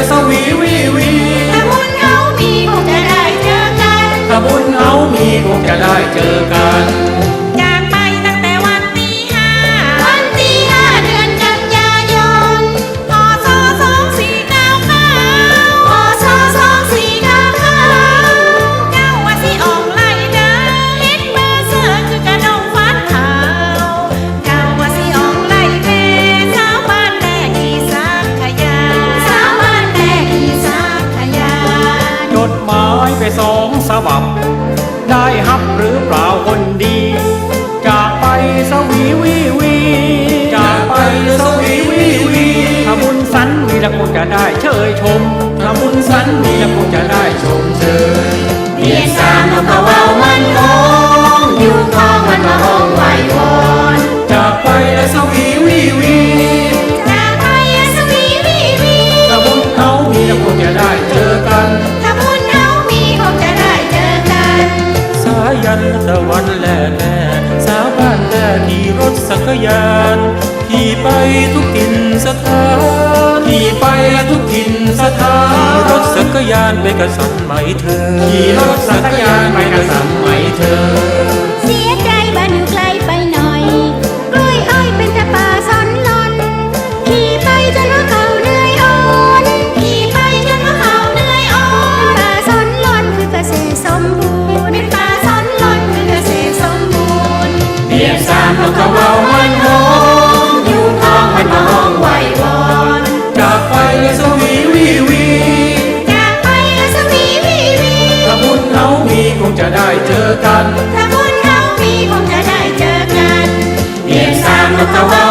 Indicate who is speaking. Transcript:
Speaker 1: สวีวีวี
Speaker 2: ถ้าบุญเขามีคงจะได้เจอกัน
Speaker 1: ถ้าบุญเขามีคงจะได้เจอกัน
Speaker 2: จากไปตั้งแต่วันที่5เดือนกันยายนพ.ศ. 2499พ.ศ. 2499เจ้าว่าสิออกไล่เด้อเฮ็ดเบอร์เสือคือกระดงฟันขาวเจ้าว่าสิออกไล่แม่สาวบ้านแรกอีสานขยาสาวบ้านแรกอีสานขยา
Speaker 1: จดหมายไป2 ฉบับได้ฮับหรือเปล่าคนดีจากไปสวีวีวีจากไปสวีวีวีถ้าบุญสันมีแล้วคงจะได้เชยชมถ้าบุญสันมีแล้วคงจะได้ชมเชย
Speaker 2: เรียนสามนกกระเว้ามันโค้งอยู่คลองมันมาห้องไหววอน
Speaker 1: จากไปสวีวีวี
Speaker 2: จากไปสวีวีวี
Speaker 1: ถ้าบุญเขามีแล้วคงจะได้เจอกัน
Speaker 2: ถ้าบุญเขามีคงจะได้เจอกัน
Speaker 1: สายันตะวันแล่แล่สาวบ้านแล่ขี่รถสักยานขี่ไปทุกถิ่นสถานขี่ไปทุกถิ่นสถานขี่รถสักยานไปกระสันไหมเธอขี่รถสักยานไปกระสันไหมเธอ
Speaker 2: เสียใจบ้านอยู่ไกลไปหน่อยกล้วยอ้อยเป็นแต่ป่าซ่อนลอนขี่ไปจนว่าเขาเหนื่อยอ่อนขี่ไปจนว่าเขาเหนื่อยอ่อนป่าซ่อนลอนคือเกษตรสมบูรณ์เป็นป่าซ่อนลอนคือเกษตรสมบูรณ์
Speaker 1: เรียบสามนกกระเว้ามันโหง
Speaker 2: อยู่คลองมันมาห้องไหววอน
Speaker 1: จากไปสวีวีวี
Speaker 2: จากไปสวีวีวี
Speaker 1: ถ้าบุญเขามีคงจะได้เจอกัน
Speaker 2: ถ้าบุญเขามีคงจะได้เจอกัน
Speaker 1: เรียบสามนกกระเว้า